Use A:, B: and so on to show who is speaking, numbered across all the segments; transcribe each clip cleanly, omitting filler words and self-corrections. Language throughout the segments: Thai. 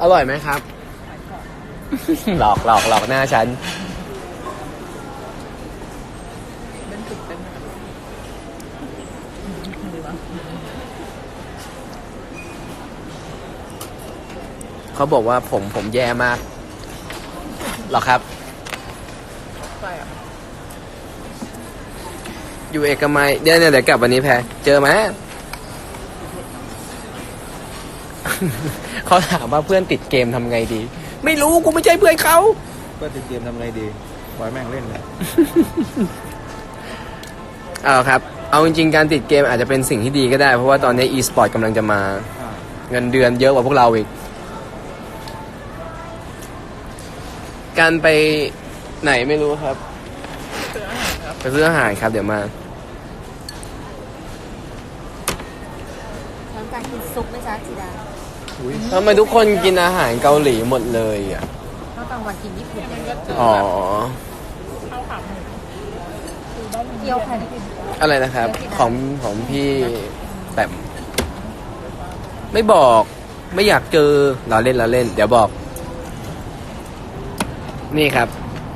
A: อร่อยไหมครับ หลอกหน้าฉันเขาบอกว่าผมแย่มากหรอครับอยู่เอกมัยเดี๋ยวกลับวันนี้แพรเจอไหม เขาถามว่าเพื่อนติดเกมทำไงดีไม่รู้กูไม่ใช่เพื่อนเขา
B: เพื่อนติดเกมทำไงดีปล่อยแม่งเล่นเลย
A: ครับเอาจริงๆการติดเกมอาจจะเป็นสิ่งที่ดีก็ได้เพราะว่าตอนนี้ e-sport กำลังจะมาเงินเดือนเยอะกว่าพวกเราอีกการไปไหนไม่รู้ครับไปซื้ออาหารครับเดี๋ยวมา
C: น้ำการกินซุปไหมจ๊ะจีดา
A: ทำไมทุกคนกินอาหารเกาหลีหมดเลยอ่ะ
C: ข้าวกลางวันกินญี่ปุ่น
A: อ๋อ
C: ข้าวขาหมูเกี๊ยวไข่
A: อะไรนะครับของพี่แต้มไม่บอกไม่อยากเจอเราเล่นเดี๋ยวบอกนี่ครับ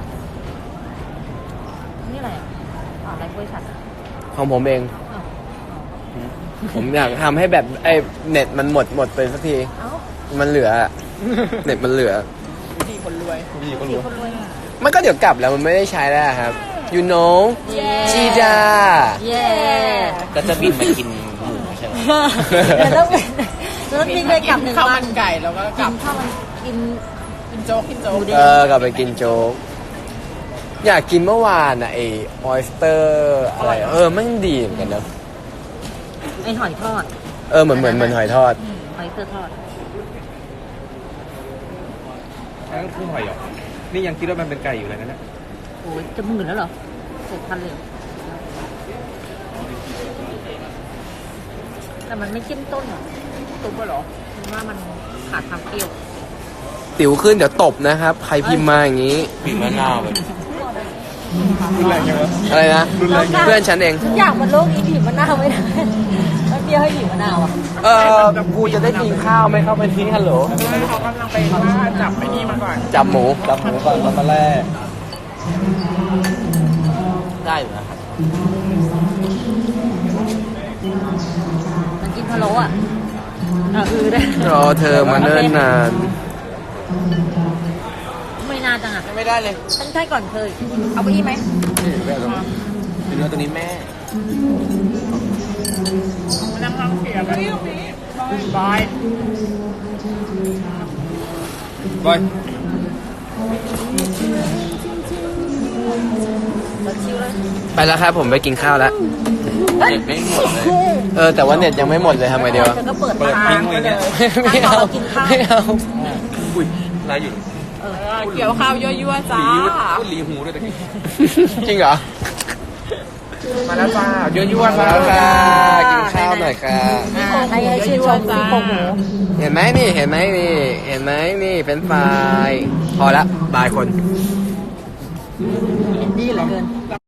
C: นี่อะไรอะไรกล้วยฉัด
A: ของผมเองผมอยากทำให้แบบไอ้เน็ตมันหมดไปสักทีมันเหลือเน็ตมันเหลือ
B: ดีคนรวย
A: มันก็เดี๋ยวกลับแล้วมันไม่ได้ใช้แล้วครับ you know จีดา
B: ก็จะบินมากินหมูใช่ไหม
C: แล้วบินไปกลับ1 วัน
B: ข้าวมันไก่แล้วก็กลับ
C: ข้าวมันกินโจ๊ก
A: กลับไปกินโจ๊กอยากกินเมื่อวานอ่ะไอ้ออยสเตอร์อะไรมันดีเหมือนกันนะ
C: ไอหอยทอด
A: เหมือนหอยทอด
C: หอยเตอร์ทอด
B: นั่นคือหอยหรอนี่ยังคิดว่ามันเป็นไก่อยู่เลยนะเนี่ย
C: โอ้ยจะหมื่นแล้วเหรอ6,000เลยแต่มันไม่เข้มต้นหรอตุ๊บหรอมันว่ามันขาดความเปรี้ยว
A: ติ๋วขึ้นเดี๋ยวตบนะครับใครพิมพ์มาอย่างนี้
B: บีบมะนาวแบบรุนแรงยังไง
A: อะไรนะเพื่อนฉันเอง
C: อยากมันโลกนี้บีบมะนาวไม่ได้แล้วเปรี้ยวให้บีบมะนาวอ่ะ
A: กูจะได้กินข้าวไหมครับวันนี้ฮัลโหล
B: เขากำลังไปว่าจับไอ้นี่มาก่อน
A: จับหมูก่อน
B: มาแล่
A: ได้อยู่นะครับ
C: มันกินพะโล้อ่ะได้
A: รอเธอมาเนิ่นนาน
C: ไม่นานจังอ่ะ
A: ไม่ได้เลย
C: ฉันใช่ก่อนเคยเอาไปอีกไหม
A: เป็นเนื้อตัวนี้แม่
B: มันนั่งเสียบนี่บอย
A: ไปแล้วครับผมไปกินข้าวแล้ว
B: เน็ตไม่หมด
A: เลยแต่ว่าเน็ตยังไม่หมดเลยทำไงดีวะ
C: ก็เปิด
B: ทิ้งไว้เนี่ย
A: ไม่เอา
B: อุ้ยอะไรอยู่
D: เกี่ยวข้าวยั่วๆจ้า
B: ลีหูด้วยตะกี้
A: จริงเหรอ
B: มาแล้วจ้ายั่วๆ
A: มาแล้วค่ะกินข้าวหน่อยค่ะ
C: ใครชื่นชมซี่โครงหมู
A: เห็นไหมนี่เป็นไฟพอละบายคน
C: ดีเหลือเกิน